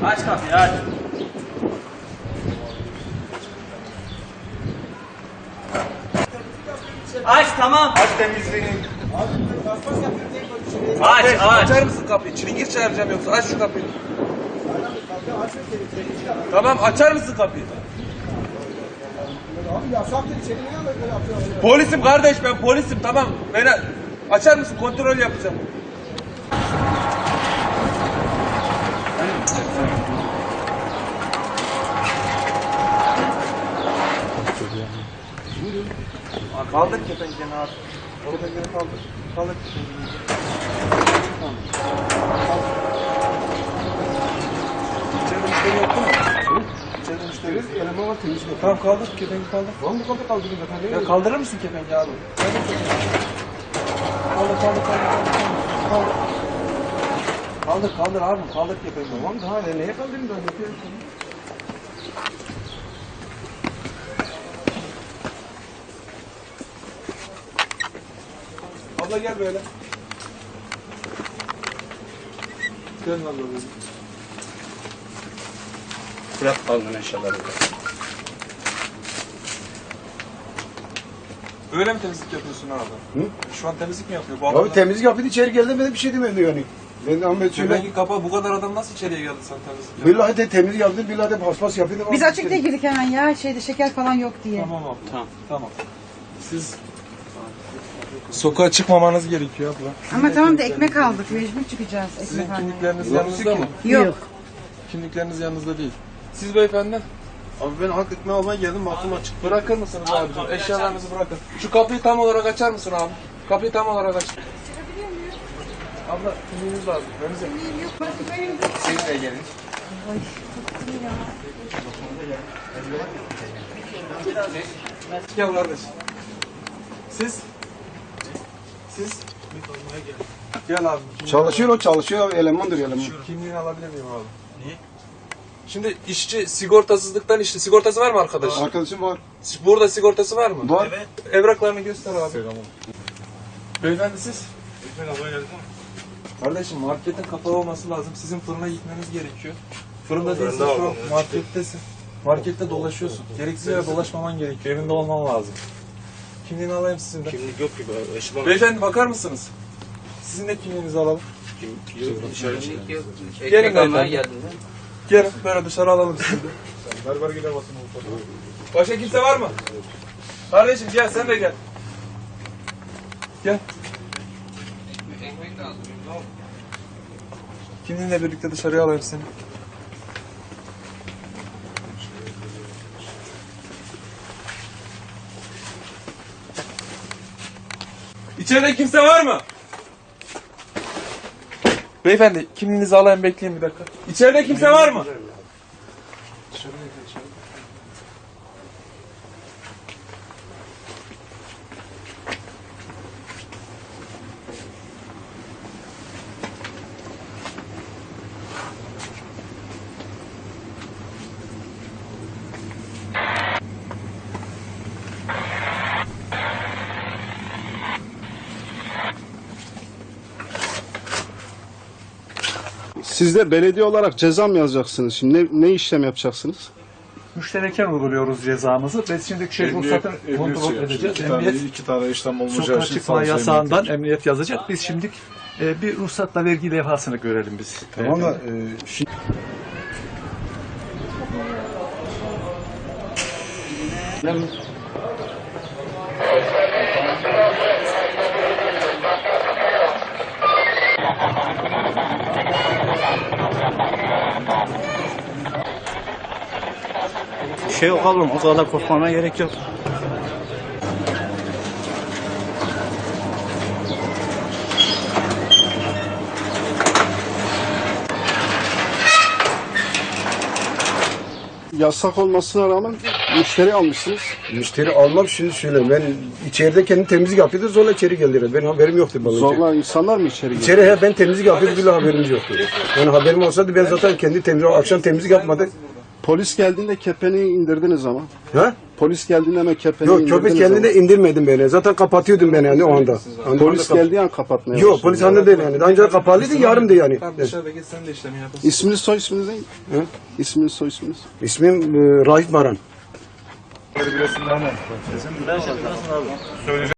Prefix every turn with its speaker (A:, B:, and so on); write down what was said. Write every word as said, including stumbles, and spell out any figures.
A: Aç kapıyı aç. Aç tamam.
B: Aç temizliğini.
A: Aç aç.
B: Açar mısın kapıyı? Çilingir çağıracağım yoksa aç şu kapıyı. Tamam açar mısın kapıyı?
C: Abi yasaktır içeri ne böyle yapıyorsun?
B: Polisim kardeş ben polisim tamam. Beni açar mısın? Kontrol yapacağım. Aa, kaldır kepenkeni abi. Kepenkeni kaldır. Kaldır kepenkeni. İçeride müşteri yok değil mi? İçeride müşteri yok.
C: Eleman var temiz yok.
B: Tamam kaldır kepenki kaldır.
C: Tamam bu kadar kaldırın zaten.
B: Ya kaldırır mısın kepenki abi? Kaldır kaldır kaldır kaldır kaldır. Kaldır kaldır abi kaldır kepenki.
C: Tamam daha ne, neye kaldırayım ben yapıyorum.
B: Abla gel böyle. Gel abla böyle.
A: Bırak kalın eşyaları.
B: Öyle mi temizlik yapıyorsun abi?
C: Hı?
B: Şu an temizlik mi yapıyor bu
C: Abi
B: adam?
C: temizlik yapıyordu içeri geldi ben de bir şey demedim yani. Ben de Ahmet söyle.
B: Kepenki kapa bu kadar adam nasıl içeriye geldi sen temizlik yapıyorsun?
C: Billahi de temizlik yaptı, billahi de paspas yapıyordu.
D: Biz açık diye girdik hemen ya. Şeyde şeker falan yok diye.
B: Tamam abla.
A: Tamam.
B: Tamam. Siz sokağa çıkmamanız gerekiyor abla.
D: Ama tamam da ekmek aldık. Mecbur çıkacağız ekmek
B: Sizin
D: almaya.
B: kimlikleriniz yanınızda mı?
D: Yok.
B: Kimlikleriniz yanınızda değil. Siz beyefendi?
C: Abi ben hak etme almaya geldim baktım açık.
B: Bırakır mısınız abicim? Eşyalarınızı bırakın. Şu kapıyı tam olarak açar mısın abi? Kapıyı tam olarak aç. Abla kimliğiniz lazım. Önünüze. Siz de gelin. Gel kardeş. Siz? Siz? Gel abi.
C: Çalışıyor o çalışıyor elemandır eleman.
B: Kimliğini alabilir miyim abi? Niye? Şimdi işçi sigortasızlıktan işte sigortası var mı arkadaş?
C: Arkadaşım var.
B: Burada sigortası var mı?
C: Var.
B: Evraklarını göster abi. Beyefendi siz? Kardeşim marketin kapalı olması lazım. Sizin fırına gitmeniz gerekiyor. Fırında değilsin şu an markettesin. Markette dolaşıyorsun. Gereksiz yere dolaşmaman gerekiyor. Evinde olman lazım. Kimliğini alayım sizin de.
A: Kimlik yok ki be. Eşim
B: Beyefendi bakar mısınız? Sizin de kimliğinizi alalım.
A: Kimlik yok.
B: Gelin
A: Ekmek almaya
B: beyefendi.
A: geldim ben.
B: Gelin böyle dışarı alalım sizi de.
C: Berber gider basın.
B: Başka kimse var mı? Kardeşim gel sen de gel. Gel.
A: Ekmek lazım.
B: Kimliğinle birlikte dışarıya alayım seni. İçeride kimse var mı? Beyefendi kimliğinizi alayım bekleyin bir dakika. İçeride kimse var mı?
E: Siz de belediye olarak ceza mı yazacaksınız? Şimdi ne, ne işlem yapacaksınız?
F: Müştereken uyguluyoruz cezamızı. Biz şimdi şey ruhsatını kontrol edeceğiz.
G: İki tane,
F: Emniyet
G: iki tane işlem olacağı
F: sokağa
G: için
F: çıkma
G: savcı
F: yasağından
G: emniyeti.
F: emniyet yazacak. Biz şimdi e, bir ruhsatla vergi levhasını görelim biz.
C: Tamam da e, şimdi
A: Bir şey yok oğlum. O kadar korkmana gerek yok.
E: Yasak olmasına rağmen müşteri almışsınız.
C: müşteri almam şimdi söyleyeyim. Ben içeride kendim temizlik yapıyordu zorla içeri geldiler. Benim haberim yoktu bana.
E: Zorla insanlar mı içeri giriyor?
C: İçeri he, ben temizlik yapıyordum bile haberimiz yoktu. Yani haberim olsaydı ben zaten kendi temizlik akşam temizlik yapmadık.
E: Polis geldiğinde kepeneği indirdiniz ama.
C: Ha?
E: Polis geldiğinde hemen kepeneği
C: Yok köpek
E: indirdiniz
C: kendine indirmedim beni. Zaten kapatıyordum beni yani o anda.
E: ama. Polis geldiği an kapatmaya
C: Yok
E: başladınız.
C: polis anda değil yani. Daha önce kapalıydı yarımdı yani.
B: Tamam dışarıda geç sen de işlemi yapasın.
E: İsminiz soy isminiz ne?
C: Hı?
E: İsminiz soy isminiz.
C: İsmim e, Raif Baran.
B: Söyleyeceğim.